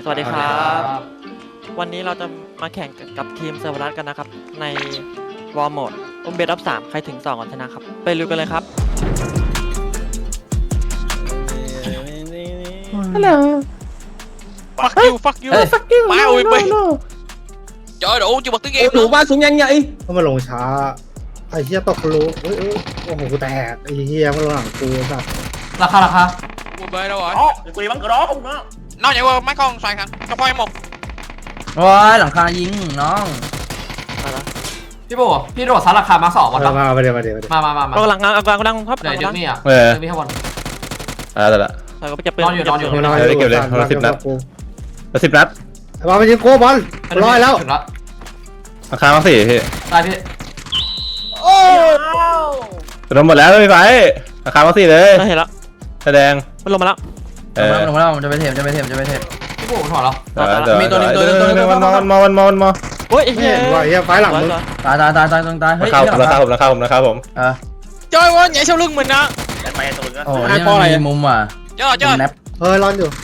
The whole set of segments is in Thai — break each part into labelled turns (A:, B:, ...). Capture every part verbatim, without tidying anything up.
A: วัสดีครับวันนี้เราจะมาแข่งกับทีมเซอร์วรัสกันนะครับในวอร์โหมดอุ้มเบสอัพสามใครถึงสองก่อนชนะครับไปลุยกันเลยครับฮัลโหล
B: fuck you fuck you
A: fuck you
B: มาอุ้ยไปtrời ơi đủ chưa bật tiếng em
C: đủ ba xuống nhanh vậy
D: เขามาลงช้าไอ้เหี้ยตกรู้เอ้ยโอ้โหกูแตกไอ้เหี้ยมาลงหลังกูสัส
E: ราคาราคา
B: ui bê đâu rồi
C: đó quỳ bắn cửa đó không đó
B: nó nhảy qua mấy con xoài thằng cho phôi một
E: โอ้ยหลังคายิงน้องพี่โบพี่โดดซัดราคามาสองวันแล้ว
D: มามาเดี๋ยวมาเดี๋ยวมาเดี๋ยว
E: มามามามา
A: ก็หลังกลางกลางกลางครับ
E: เดี๋ยวเดี๋ยวนี่อ่ะ
F: เออ
E: เดี๋ยวพี่ข้างบน
F: อ่าแต่ละ
A: ใครก็ไปจับปืน
E: นอนอยู่นอนอยู่
D: มึงน้อย
F: เดี๋ยวเก็บเลยคนละสิบนัด แล้วสิบนัด
D: ไอ้บอลมันยิงกูบอลร้อยแล้ว
E: ถึงแล้ว
F: ราคามาสี่พี่
E: ตายพี่
F: รวมหมดแล้วพี่ไฟราคามาสี่เลย
A: ได้เห็นแล้ว
F: แสดง
A: มันลงมาแล้ว
F: เอ
E: ลง
F: อ
E: มาแล้วลงมาแล้วมันจะไปเทปจะไปเทปจะไปเทปพี่โบถอดแล้ว
F: มีตัวนึงตัวนึงตัวนึงมันมอมันมอมันมอมันมอ
A: โอ้ยไอ้
D: ไม่
A: เหี้ย
D: เห็นว่าไอ้เหี้ยไฟหลังมึง
E: ตายตายตายตายตรงตาย
F: รา
E: เฮ้ย
F: คาผมราคาผมราคาผมราคาผม
E: เออ
B: chơi quá nhảy sau lưng mình á
C: đánh bay tụi nó
E: โอ้ยนี่มีมุมอ่ะ
B: chơi chơi
E: แนป
D: เฮ้ยร้อนอยู่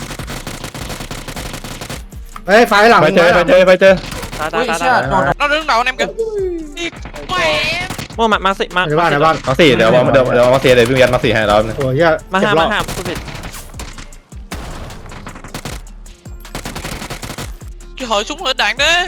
D: เฮ้ยไฟหลัง
F: ไป
D: มึง
F: เจอไปเจอไปเจอ
A: ตายตา
E: อุ้
A: ย
E: ย
A: ตาย
E: เชี่ยโดน
B: nó đứng đầu anh em kìa đi mẹ
A: โม่มามาสิมา
D: ในบ้านในบ้าน
F: มาสี่เดี๋ยวเดี๋ยวเดี๋ยวมาสี่เดี๋ยวพี่ยันมาสี่ให้เรา
D: โอ้ยเหี้ย
A: มาห้ามาห้าพูดผิด
B: cái hồi súng hơi đạn đấy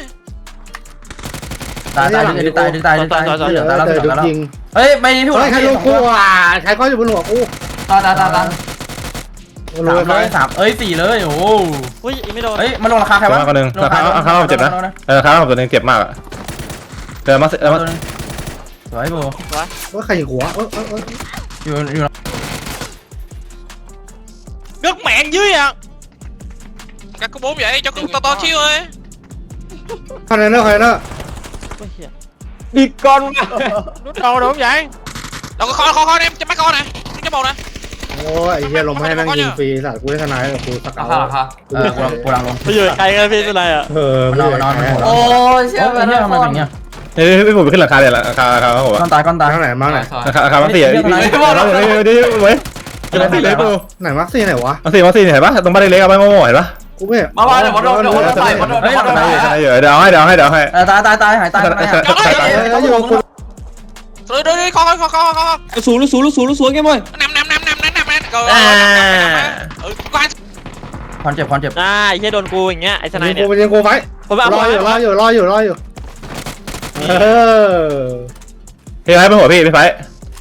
E: ตายตายดึงตายดึงตายดึงตายเหลือตายแล้วเหลือ
D: เดี๋ยว
E: แล้ว
D: ยิง
E: เฮ้ยไม่พี่โบ
D: เฮ้ยใครลงกูอ่ะใครก็อยู่บนหัวกู
E: ตายตายตายตาย
D: ล
E: สาง ม
D: ไป
E: เลยสามเอ้ยสี่เลยโอ้
A: อุ้ยอีกไม่โดน
E: เฮ้ยมันลงราคาใครวะ
F: คนหนึ่งราคาราคาเราเจ็บนะเออราคาเราตัวนึงเจ็บมากอ่ะเดี๋ยวมาเดี๋ยวมา
E: สวยโบ
D: ว่าใครยิงหัวเออเออเออ
E: อยู่อยู่
B: gất mẹ dưới à các cô bốn vậy cho con to to chiêu ơi
D: ใครเนอร์ใครเนอร์
A: โอ้ยเหี้ย
C: đi con
B: nút đầu đúng vậy đâu có kho kho kho em cho mấy con nè cái bầu nè
D: โอ้ยไอ้เหี้ยลงมาให้นั่งยิงฟรีสัตว์กูได้ทนายกับกูสัก
E: รา
D: เอา
E: คาราคาเออกูกูลังลง
A: ไปอยู่ไกลกันพี่เป็นไรอ่ะ
D: เออ
E: มันนอนมันนอนมันหัว
D: โอ้
E: ยเชี่ยมันเนี่ยทำไมถึงเนี่ย
F: เฮ้ยพี่ผมไปขึ้นราคาเลยราคาราคาผม
E: ก้อนตายก้อนตาย
D: ทางไหนมาไหน
F: ราคาราคามาสี่เดี๋ยวเดี๋ยวเดี๋ยวเว้ยจะมาสี่เลยปู
D: ไหนมาร์คซี่ไหนวะ
F: มาสี่มาสี่เห็นปะตรงบ้านเล็กๆเอาไปโง่เห็นปะ
D: กูไม่
E: มามาเดี๋ยวมาโดนเดี๋ยวมาโดนใส่มาโดน
F: เฮ้ย
E: มาโดน
F: เดี๋ยวเดี๋ยวให้เดี๋ยวให้เดี๋ยวให้
E: ตายตายตายหายตายตาย
D: อยู่กู
B: rồi đi đi kho kho kho kho
C: nó xuống nó xuống nó xuống nó xuống em ơi
B: năm năm năm năm năm năm rồi ừ quan
E: คอนเจ็บคอนเจ็บ
A: อ่าไอ้เหี้ยโดนกูอย่างเงี้ยไอ้สไน
D: ยิง
A: เนี่
D: กู
A: ย
D: ไปยิงกูไฟ
A: ผมแบบ
D: รออยู่รออยู่รออยู่รออยู่เออ
F: พี่ไฟเป็นหัวพี่พี่ไฟ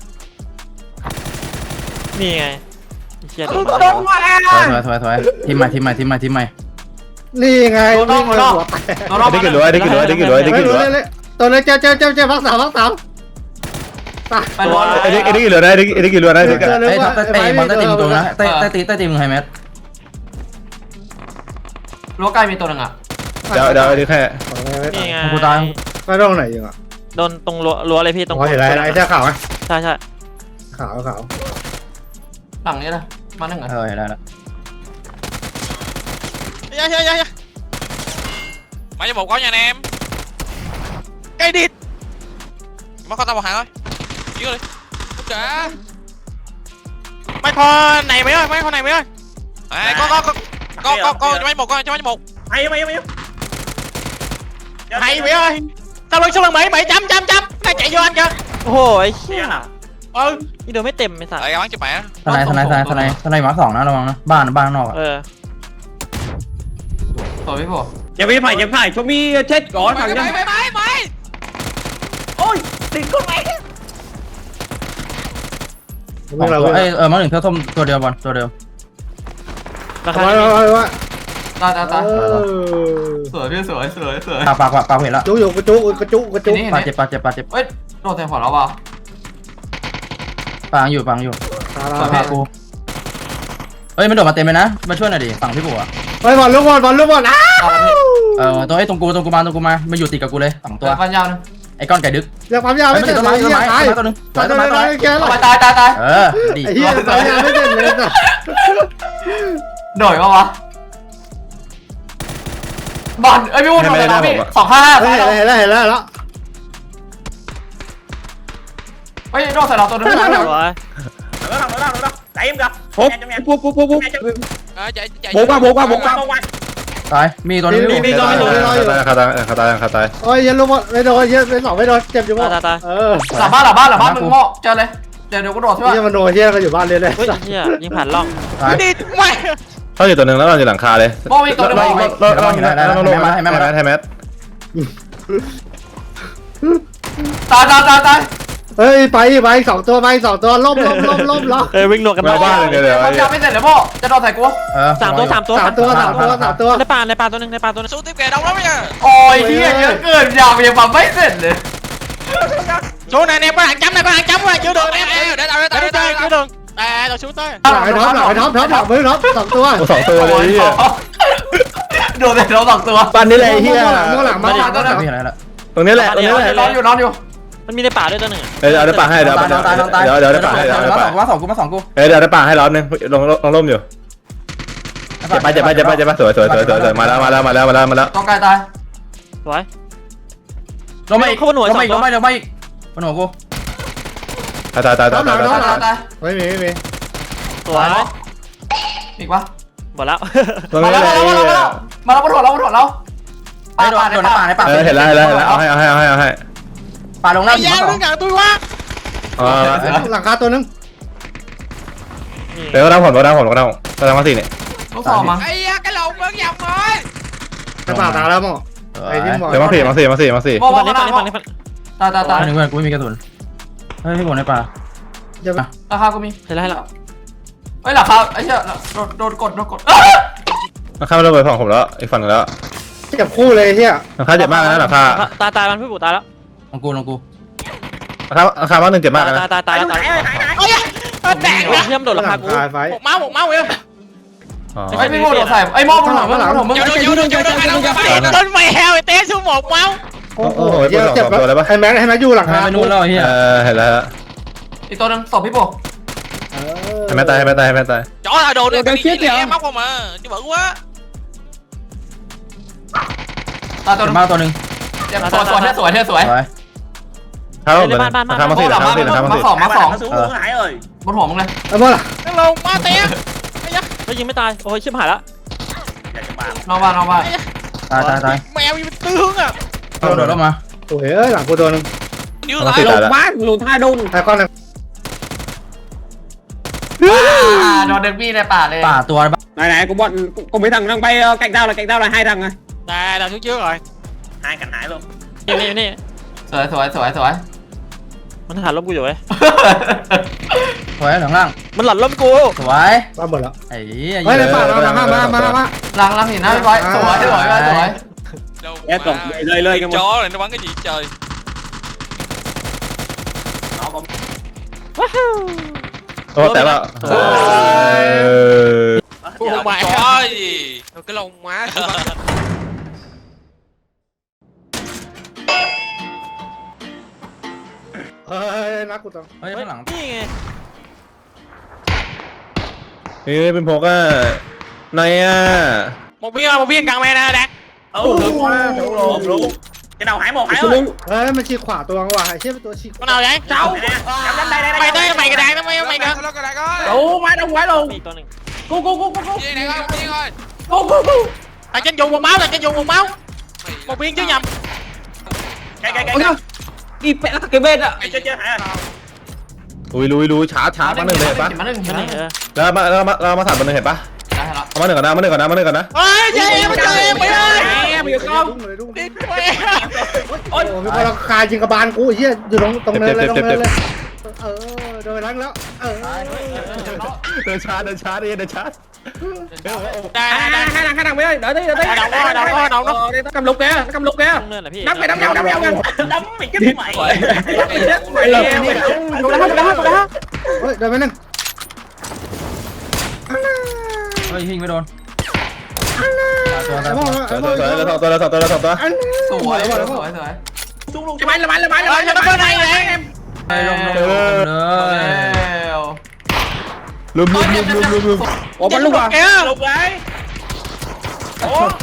A: นี่ไงไอ้เหี้ยโดน
E: ถอยถอยถอยทีมใหม่ทีมใหม่ทีมใหม่ทีมใหม่
D: นี่ไงวิ่งหัวแตก
F: ได้กี่รั้วได้กี่รั้วได้กี่รั้วได้
D: ไม่
F: กี่
D: รู้
F: รั้ว
D: เลยตัวเลยเจ้าเจ้าเจ้าเจ้าพักสามพักสาม
E: ไปบอล
F: ไอ้ได้กี่รั้วได้ได้กี่รั้วได้
E: ไอ้ท็อปเตะบอลเตะตีมตรงนะเตะเตะตีเตะตีมึงไฮแมทรั้วใกล้มีตัวนึงอ่ะ
F: เดี๋ยวเดี๋ยวดูแค่
A: นี่ไง
E: กูตาย
D: ไม่ต้องไหนยิงอ่ะ
A: โดนตรงรั้วรั้วเลยพี่ตรง
D: อ๋อเห็นอะไรไอ้เสื้อขาวไหม
A: ใช่ใช่
D: ขาวขาว
E: หลังนี้นะมาหนึ่งอ่ะเออเห็นแล้ว
B: dạ dạ dạ mày cho một có nha anh em cây đi mất con tao một hàng thôi dưới đi trả mấy con này mấy ơi mấy con này mấy ơi à, có có có có có có cho mấy một con cho mấy một
C: hay mày mày
B: hay mấy ơi sau lưng sau lưng bảy bảy chấm chấm chấm này chạy vô anh kìa
A: โอ้โหไอ้เหี้ย
B: ừ
A: นี่โดนไม่เต็มไอ้สัส
B: lại bắn cho mẹ
E: ทนายทนายทนายทนายทนายมาสองนะระวังนะบ้านบ้านนอกอ่ะ
A: เออ
E: ตัวพี่โบ
C: chém phải chém phải cho mi chết có
B: mày
C: thằng
B: mày
C: nhân
B: mày mày mày
C: ôi tiền con mày
D: วิ่งเราวิ่ง
E: เออเออมาหนึ่งเท่าส้มตัวเดียวบอลตัวเดียว
A: ราคา
D: ไว้
A: นี้
D: ไว้ไว้
E: ตายตายตายสวยพี่สวยสวยสวยปากปากปากปากเห็นแล้ว
D: จุกอยู่กระจุกกระจุกกระจุก
E: ปากเจ็บปากเจ็บปากเจ็บเอ้ยโดนแทงขวาแล้วว่ะปางอยู่ปางอยู่ปากกูเอ้ยมันโดดมาเต็มเลยนะมาช่วยหน่อยดิฝั่งพี่บัว
D: เฮ้ยบอลลูกบอลบอลลูกบอลอ้า
E: เออตัวไอ้ตรงกูตรงกูมาตรงกูมามาอยู่ติดกับกูเลยสองตัวฟันยาวนึงไอ้ก้อนไก่ดึก
D: เรียกความยาวไม่
E: ไม่
D: เสร็
E: ติ
D: จ
E: ดต้น
D: เล
E: ไม้
D: ย
E: ต้น
D: ตาย
E: ไม้ต้นไม้ตัวนึง
D: ตายตายตายแก
E: ตายตายตายเออดี
D: ไอ้เหี้ยตายยาวไม่เสร็จเลยนะ
E: โดดปะวะบอลเอ้ยพี่วุ้นโดดแล้วพี่สองห้า
D: เห็นแล้วเห็นแล้วเห็นแล้วแล้ว
E: เฮ้ยโดดใส่เราตัวนึง
A: สวย
C: nó đâu nó đâu nó đâu chạy em kìa
F: hút hút hút hút hút
B: à, chạy chạy
C: bộ qua bộ qua bộ qua
B: qua
E: ตายมีตัวนึง
D: มีมีตัวนึง
F: ขาตายขาตายขาตาย
D: โอ้ยยันลูกไม่โดนยันเป็นสองไม่โดนเจ็บอยู่มั้งเออ
E: หลับบ้านหลับบ้านหลับบ้านมึงโง่เจอเลยเดี๋ยวเดี๋ยวกูโดดใช่ป่ะ
D: เฮียมันโดนเฮียก็อยู่บ้านเลยเลย
A: เฮ้ยเฮียยิงผ่านร่อง
E: ตาย
B: ดิไม่
F: เขาอยู่ตัวหนึ่งแล้วเราอยู่หลังคาเลย
E: โม่มีตัวนึงโม่มีเราเห็นได้เราลงมาให้แม่มา
F: ให้แมท
E: ตายตายตายตาย
D: เฮ้ยไปไปสองตัวไปสองตัวล้มล้มล้มล้มล้ม
A: เอ้ยวิ่งหนวกกัน
F: มาบ้านเลยเดี๋ยวเดี๋ยว
E: เขาจะไม่เสร็จเลยโม่จะโดนใส่กู
A: สามตัวสามตัว
D: สามตัวสามตัวสามตัว
A: ในป่าในป่าตัวหนึงในป่าตัวหนึง
B: สู้ติ๊บแกดองแล้วเนี่ย
E: โอ้ยเฮียเยอะเกินยาวยังมาไม่เสร็จเลย
B: สู้này nè có hàng chấm này có hàng chấm rồi chưa được em để tao để tao để tao chưa được à tao xuống tới
D: หลังไอ้ท็อปหลังไอ้ท็อปท็อปหลังมือท็อปสองตัว
F: สองตัวเลย
E: โดนแต่เราสองตัว
C: ปันนี่แหละไอ้เฮีย
D: ข้างหลังมาหลัง
E: ตัวนึง
F: ตรงนี้แหละตรงนี้แหละ
E: นอนอยู่นอนอยู่
A: มันมีในป่าด้วยตัวหนึงอะ
F: เดี๋ยวเดี๋ยวป่าให้เดี๋ยวเดี๋ยวเดี๋ยวเดี๋ยวป่าให้เดี๋ยว
E: มา
F: ป่า
E: สองมาสองกูมาสองกู
F: เดี๋ยวเดี๋ยวป่าให้รอบนึงลงลงร่มอยู่เจ็บไปเจ็บไปเจ็บไปเจ็บไปสวยสวยสวยสวยมาแล้วมาแล้วมาแล้วมาแล้วมาแล้ว
E: ต้องกายตาย
A: สวย
E: ลงมาอีกลงมาอีกลงมาอีกลงมาอีกบนหัวกู
F: ตายตายตายตายตาย
E: ตายตายตาย
D: ไม่มีไม่มี
A: สวย
E: อีกปะ
A: หมดแล้ว
F: ตรง
E: มา
F: นี้
E: แล้ว
F: เลย
E: มาแล้วมาแล้วมาแล้วบนหัวเราบนหัวเราป่าป่าในป่าในป่า
F: เออเห็นแล้วเห็นแล้วเห็นแล้วเอาให้เอาให้เอาให้เอาให้
E: ป่าลงหน้าหิมะ
B: giao
E: สอง
B: đứa nào tôi quá
F: อ๋อ
D: หลังคาตัวนึง
F: เดี๋ยวก็ได้ผลก็ได้ผลก็ได้ก็ได้มาสี่เนี่ย
E: ลูกสองมา
B: ây da cái lồng bớt dòng rồi
D: ในป่าตาแล้วมั้งไอ้ที่หมอ
F: เดี๋ยวมาสี่มาสี่มาสี่มาสี่
E: โม่
A: ฝั่ง
E: โม่
A: นี้
E: โม่
A: ฝั่งนี้ฝั่งนี้ฝั่งนี้
E: ตายตายตาย
C: หนึ่งเพื่อนกูไม่มีกระสุนเฮ้ยพี่บอลในป่า
D: จะ
E: ราคากูมี
A: เห็นแล้วเห็นแล้ว
E: เฮ้ยราคาไอ้เหี้ยโดนโดนกดโดนกด
F: ราคาไม่ระเบิดฝั่งผมแล้วอีกฝั่งนึงแล้ว
D: เจ็บคู่เลยเฮีย
F: ราคาเจ็บมากนะราคา
A: ตายตายมันพี่ปู่ตายแล้ว
C: ลงกูลงกู
F: ราคาราคาบ้านหนึ่งเจ็บมาก
A: ตาย
F: นะ
A: ตายตายตายแล้วตาย
B: ôi da đạn
A: โอ้ยเทียมโดด
D: ห
A: รา
D: ลั
A: คาง กู
D: คาไฟ
B: một máu một máu vậy
E: ไอ้พี่โม่โดนใส่ไอ้โม่บนหัวบนหัวมึง
B: vô được vô được vô được ai đâu mày tên mày heo mày té xuống một máu
D: โอ้โหเจ็บเจ็บแล้วไอ้แม็กไอ้แม็กอยู่หลังคา
C: ไปนู่นแล้วเฮีย
F: เออเห็นแล้ว
E: อีกตัวนึงศพพี่โบ
F: ให้แม่ตายให้แม่ตายให้แม่ตาย
B: chỗ nào đồ này đi chết em móc không mà chứ bự quá
E: ตาตัวนึง
C: มาตัวหนึ่ง
E: เจ็บสวยสวยสวยสวย
C: สวย
F: ข้าวราคามาสี่ราคามาสี่ราคามา
E: มา
F: สี่
E: สองมาสอง
C: xuống luôn Hải ơi
E: บนหัวมึงเลย
D: ไอ้บอลล่ะ
B: cái lồng ma té
A: ไม่ยิงไม่ตายโอ้ยชิบหายแล้ว
E: นอกบ้านนอกบ้าน
C: ตายตายตาย
B: mèo gì tư hướng à
C: โดดลงมา
D: โอ้ยเอ้ยหลังกูตัวนึง
B: yêu
F: มา
B: lại
F: สี่ตายแล้ว
C: หลุดท่าดุน
D: ไอ้ก้อนนึง
E: โดนเด็กบี้ในป่าเลย
C: ป่าตัวnày này của bọn cùng mấy thằng đang bay cạnh tao là cạnh tao là hai thằng à
B: nè là xuống trước rồi
C: hai cạnh Hải luôn
A: นี่นี่นี่
E: สวยสวยสวยสวย
A: มันหาล้มกูอยู่เว้ย
C: สวยหลังล่าง
A: มันหลัดล้มกู
C: สวย
D: บ้าหมดแล้ว
C: ไอ้
D: เฮ้ยในป่ามามามามามา
E: หลังหลังหินนะพี่บอยสวยสวยสวย
B: đâu
C: Ép cổng, lơi, lơi cái
B: chó này nó bắn cái gì trời
F: โอ้แต่ว่า
B: Ủa mày ơi gì cái lông má của
D: เฮ้ยนักกูตัว
C: เฮ้ยข้างหลัง
A: นี่ไง
F: นี่เป็นพกอ่ะนายอ่ะ
B: một viên một viên càng mày nè đạt
C: cái đầu Hải một Hải ơi
D: เฮ้ยมันฉีกขวาตัวว่ะไอ้เชี่ยเป็นตัวฉีก
B: con nào vậy
C: đâu
B: mày tới mày cái đạn nó mày mày kìa
C: đủ má đông quá luôn
A: มีอีกตัวหนึ่ง
C: cu cu cu cu cu
B: viên này coi viên coi
C: cu cu cu
B: thằng trên dùng một máu thằng trên dùng một máu một viên chứ nhầm
C: cái cái cái đi vẽ cái bên ạ chơi chơi Hải à
F: ลุยลุยลุยช้าช้ามาหนึ่งเลยเห็นปะ
E: มาหนึ่ง
A: ตัว
E: มาห
A: นี้
E: นึ่ง
A: เออ
F: แล้วมาแล้วมาแล้วมาสามมาหนึ่งเห็นปะ
E: ได้แล้ว
F: เอามาหนึ่งก่อนนะมาหนึ่งก่อนนะมาหนึ่งก่อนนะ
B: ơi chơi em chơi em mày ơi
C: em được không
B: đi
D: โอ้ยมีคนคายิงกระบาลกูไอ้เชี่ยอยู่ตรงตรงเนินเลยตรงเนินเลยเออโดนล้างแล้วเออ
F: เดินช้าเดินช้าดิเดินช้า
B: đây
C: hai
B: đây
C: thằng hai thằng mày ơi đợi tí đợi tí
B: Đâu có, đâu có, đâu có.
C: nó cầm lục kìa nó cầm lục kìa
A: ตรงเนินเหรอพี่
C: đấm mày đấm nhau đấm nhau đấm mày chết mày mày
D: lợp
C: mày
D: đi.
C: đồ đá đồ đá đồ đá
D: เฮ้ยเดินไปนึง
C: เฮ้ยยิงไม่โดน
D: ไอ้บอล
F: ตั
D: ไอ้
F: ว
D: บอล
F: ตัวตัวตัวตัวตัวตัวตัว
E: สวยสวยสวยสวย
C: xuống luôn cho mày là mày là mày là
B: Ơi,
C: mày
B: cho nó bên này vậy em
E: ไปลงลงลงเลย
F: ลุมลุมลุมลุมลุมลุม
C: ủa bắn lúc à
B: kìa
C: lục đấy
D: เออ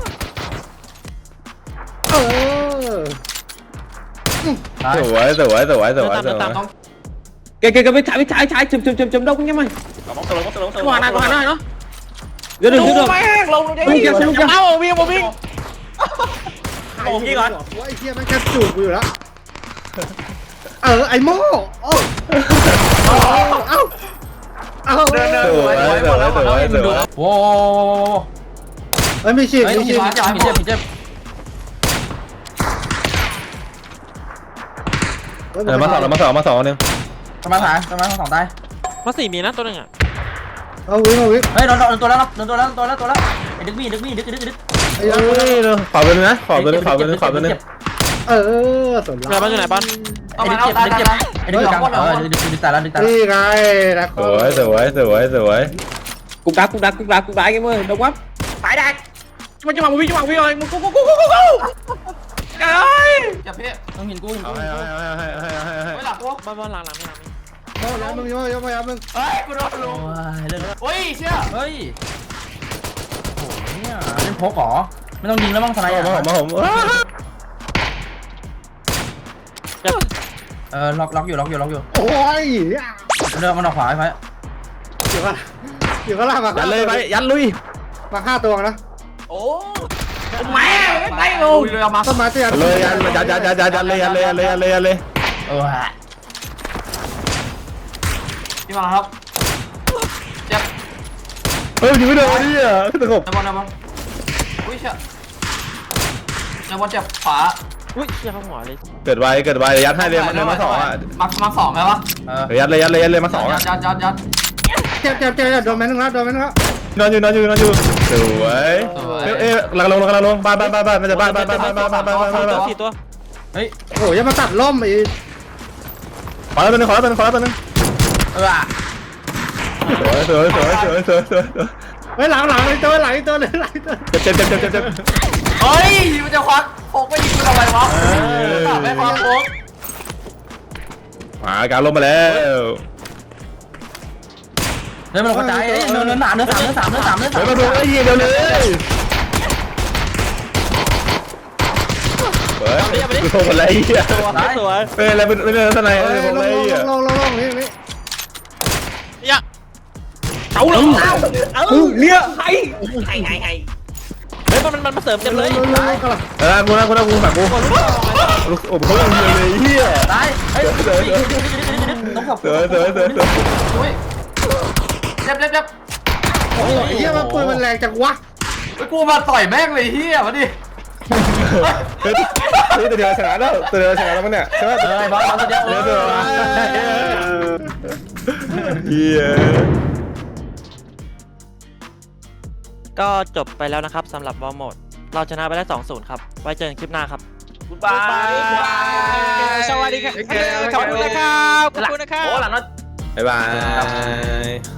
F: สวยสวยสวยสวยสวย
C: kìa kìa kìa bên trái bên trái trái chùm chùm chùm chùm đông nha mày bóng từ bóng từ bóng từ ngoài này ngoài này nó เดี๋ยวหนึ่งเดี๋ยวหนึ่ง
B: แม่งลงเลย
C: วิ่งยังวิ่งยัง
B: เอ้าวิ่งมาวิ่ง
D: โอ้ยก่อนไอ้เหี้ยมันแค่จูบกูอยู่แล้วเออไอ้โม่โอ้เอ้าเอ้า
B: เดินเดิน
F: สวยสวยสวยสวยสวย
E: โว้
D: เฮ้ยมีชีพ
E: เฮ้ย
D: มี
E: มี
D: ชีพ
E: เจ็บมีเจ็บมีเจ็บ
F: เออมาสองมาสองมาสองนึง
E: ประมาณสามประมาณสองตาย
A: มาสี่มีนะตัวหนึงอ่ะ
D: เอาวิ่งเอาวิ่ง
E: เฮ้ยโดนโดนตัวแล้วโดนตัวแล้วตัวแล้วตัวแล้วไอ้ดึกมีดึกมีดึกดึกดึก
D: ไอ้
F: เฮ้ยขอบตัวนึงนะขอบตัวนึงขอบตัวนึงขอบตัวนึง
D: เออสน
A: เรือบ้านอยู่ไหนบ้าน
E: ไอ้ดึกเจ็บดึกเจ็บไอ้ดึกกลางเออดึกดึกดึกตายแล้วดึกตายแล้ว
D: นี่ไงนะ
F: สวยสวยสวยสวย
C: กูดักกูดักกูดักกูดักไอ้เมื่อดอกวับตายได้จังหวะจังหวะวิ่งจังหวะวิ่งเลยมึงกูกูกูกูกูกูเอ้ย
E: จับพี่ต้องเห็นกูเห็น
F: เอา
E: กู
F: ให้เอาให้เอาให้เอาให้เอาให้
E: ไม่หลับกู
A: บ้านบ้านหลังหลังไม่หลังไม่
D: โอ้ยมึงโอ้ยโอ้ยมึง
E: เฮ้ยกูโดนลุงเล่นเฮ้ยเชี่ยเฮ้ยโอ้เนี่ยเล่นพกเหรอไม่ต้องยิงแล้วมั้งทนาย
F: มาผมมาผม
E: เออล็อกล็อกอยู่ล็อกอยู่ล็อกอยู่
D: โอ้ย
E: เลือกมันออกขวาไอ้ไฟ
D: เดี๋ยวก่อนเดี๋ยวก็ลากมา
F: ยันเลยไปยันลุย
D: มาฆ่าตัวนะ
B: โอ้แม่งไม่ลง
E: เลยเอามา
D: ต้นไม้เตี้ย
F: เลยยันยันยันยันยันยันเลยยันเลยยันเลยยันเลยยันเลย
E: เออฮะพี่มาครับเจ็บ
F: เฮ้ยยิงไม่โดนดิอ่ะสงบ
E: นายบอลนายบอลอุ้ยเชี่ยนายบอลเจ็บขวา
A: อุ้ยเชี่ยเข้าหัวเลย
F: เกิดไวเกิดไวยัดให้เลยมันมาสองอ่ะ
E: มามาสองไหมวะเออ
F: ยัดเลยยัดเลยยัดเลยมาสอง
E: ยั
F: อ่ะ
E: ดยัดยัดยัด
D: เจ็บเจ็บเจ็บโดนแม่นึงแล้วโดนแม่นึงแล้ว
F: นอนอยู่นอนอยู่นอนอยู่สวยเอ๊ะเอ๊ะกำลังลงกำลังลงบ้านบ้านบ้านบ้านมันจะบ้านบ้านบ้านบ้านบ้านบ้านบ้านบ้านบ้าน
A: สี่ตัว
E: เฮ้ย
D: โอ้ยยังมาตัดล่มอีก
F: ขอแล้วตัวนึงขอแล้วตัวนึงขอแล้วตัวนึง
E: เออ
F: สวยสวยสวยสวยสวยสวย
D: เฮ้ยหลังหลังไอ้ตัวหลังไอ้ตัวเลยหลังตัว
F: เจ็บเจ็บเจ็บเจ็บเจ็บ
E: เฮ้ยมันจะควักโฟกไม่ยิงกูทำไมวะไม่ควักโฟก
F: มาการลงมาแล้ว
E: เฮ้ยมันกระจายเฮ้ยเนื้อเนื้อสามเนื้อสามเนื้อสามเนื้อสามเนื้อสา
F: เฮ้ย
E: ม
F: มาดูไอ้เหี้ยเร็วเลยเฮ้ยกูโทรมาแล้วไอ้เหี้ย
A: ตัวสวย
F: เฮ้ยอะไรเป็นเป็นอะไรทนายอะไร
D: ล
F: ผม
D: ง
F: อะไร
D: ล
F: ไอ้
D: ง
F: เหี้ย
D: ลงลงลงนี่นี่
B: ยัง
C: เอาเลยเอาเนี่ยไอ้ไอ้ไอ้ไอ้
A: เฮ้ยมันมันมันมาเสริมเต็มเลย
D: ลงลงลง
F: เออกูนะกูนะกูฝากกูลูกโอ้โหเขาเลยเลยเหี้ย
E: ตายเฮ้ยต้องขับ
F: เสือเสือเสือเสือ
E: อุ้ยเจ็บเจ็บเจ็บ
D: โอ้ยเฮียมันปืนมันแรงจังวะ
E: ไอ้กูมาต่อยแม่งเลยเฮียมาดิ
F: เฮ้ยตัวเดียวชนะแล้วตัวเดียวชนะแล้วมั้งเนี่ยใช่ไหม
E: เออบอลบอลตัวเดียว
F: เดี๋ยวเดี๋ยวเฮีย
A: ก็จบไปแล้วนะครับสำหรับวอลโหมดเราชนะไปได้ สองศูนย์ ครับ ไว้เจอกันคลิปหน้าครับ
B: กูบายสวัสดีครับขอบคุณนะครับขอบคุณนะครับ
C: โอ้หลังนั้น
F: บ๊ายบาย